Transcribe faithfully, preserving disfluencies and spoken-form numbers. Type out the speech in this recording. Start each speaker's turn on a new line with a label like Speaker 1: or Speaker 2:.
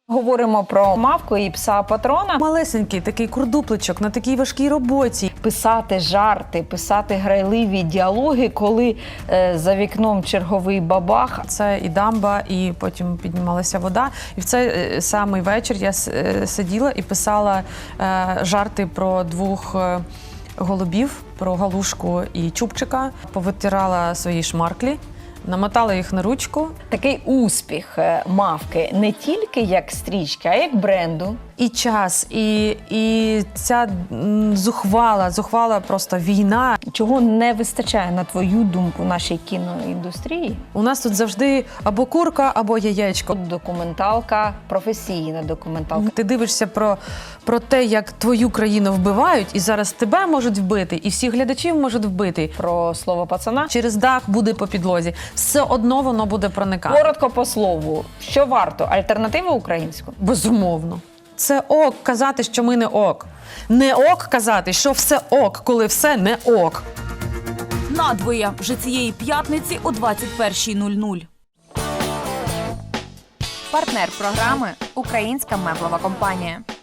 Speaker 1: Говоримо про мавку і пса-патрона.
Speaker 2: Малесенький такий курдупличок на такій важкій роботі.
Speaker 1: Писати жарти, писати грайливі діалоги, коли е, за вікном черговий бабах.
Speaker 2: Це і дамба, і потім піднімалася вода. І в цей е, самий вечір я с- е, сиділа і писала е, жарти про двох е, голубів, про Галушку і Чубчика. Повитирала свої шмарклі, намотала їх на ручку.
Speaker 1: Такий успіх е, мавки не тільки як стрічки, а як бренду.
Speaker 2: І час, і, і ця м, зухвала, зухвала просто війна.
Speaker 1: Чого не вистачає, на твою думку, нашій кіноіндустрії?
Speaker 2: У нас тут завжди або курка, або яєчко.
Speaker 1: Тут документалка, професійна документалка.
Speaker 2: Ти дивишся про, про те, як твою країну вбивають, і зараз тебе можуть вбити, і всіх глядачів можуть вбити.
Speaker 1: Про слово пацана.
Speaker 2: Через дах буде по підлозі. Все одно воно буде проникати.
Speaker 1: Коротко по слову. Що варто? Альтернативу українську?
Speaker 2: Безумовно. Це ок казати, що ми не ок. Не ок казати, що все ок, коли все не ок.
Speaker 3: Надвоє вже цієї п'ятниці о двадцять першій нуль нуль.
Speaker 4: Партнер програми – Українська меблова компанія.